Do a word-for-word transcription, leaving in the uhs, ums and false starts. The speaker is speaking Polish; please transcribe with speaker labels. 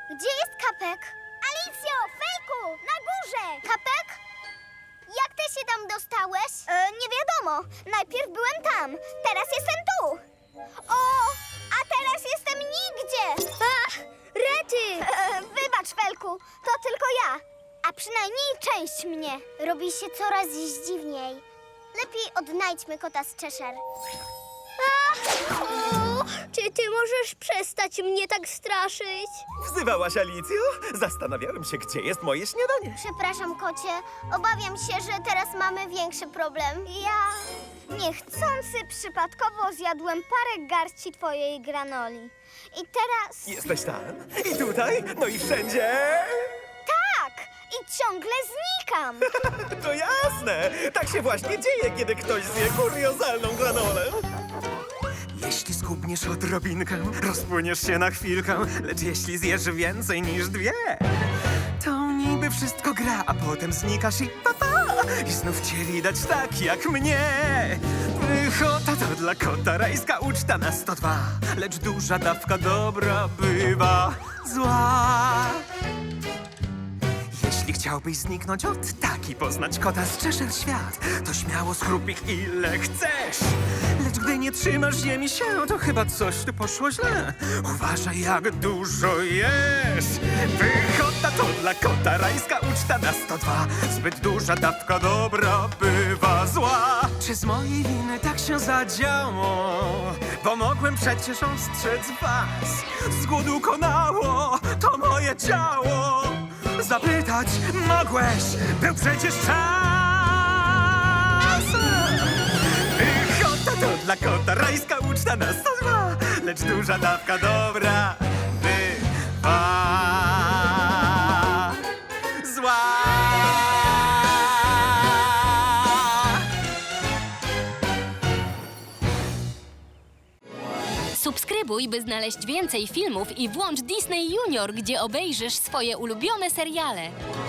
Speaker 1: Gdzie jest Kapek? Alicjo, Felku, na górze! Kapek? Jak ty się tam dostałeś? E, nie wiadomo. Najpierw byłem tam, teraz jestem tu. O, a teraz jestem nigdzie. Ach, Rety! E, wybacz, Felku, to tylko ja. A przynajmniej część mnie. Robi się coraz dziwniej. Lepiej odnajdźmy kota z Cheshire. O, czy ty możesz przestać mnie tak straszyć?
Speaker 2: Wzywałaś Alicjo? Zastanawiałem się, gdzie jest moje śniadanie.
Speaker 1: Przepraszam, kocie. Obawiam się, że teraz mamy większy problem. Ja niechcący przypadkowo zjadłem parę garści twojej granoli. I teraz...
Speaker 2: Jesteś tam? I tutaj? No i wszędzie?
Speaker 1: Tak! I ciągle znikam!
Speaker 2: To jasne! Tak się właśnie dzieje, kiedy ktoś zje kuriozalną granolę. Jeśli skubniesz odrobinkę, rozpłyniesz się na chwilkę, lecz jeśli zjesz więcej niż dwie, to niby wszystko gra, a potem znikasz i pa, pa, i znów cię widać tak jak mnie. Pychota to dla kota rajska uczta na sto dwa, lecz duża dawka dobra bywa zła. Jeśli chciałbyś zniknąć od tak i poznać kota z Cheshire świat, to śmiało schrup ich ile chcesz. Lecz gdy nie trzymasz ziemi się, to chyba coś tu poszło źle. Uważaj, jak dużo jesz. Pychota to dla kota rajska uczta na sto dwa. Zbyt duża dawka dobra bywa zła. Czy z mojej winy tak się zadziało? Bo mogłem przecież ostrzec was. Z głodu konało to moje ciało. Zapytać mogłeś, był przecież czas. Pychota to dla kota rajska uczta na sto dwa, lecz duża dawka dobra bywa zła.
Speaker 3: Subskrybuj, by znaleźć więcej filmów i włącz Disney Junior, gdzie obejrzysz swoje ulubione seriale.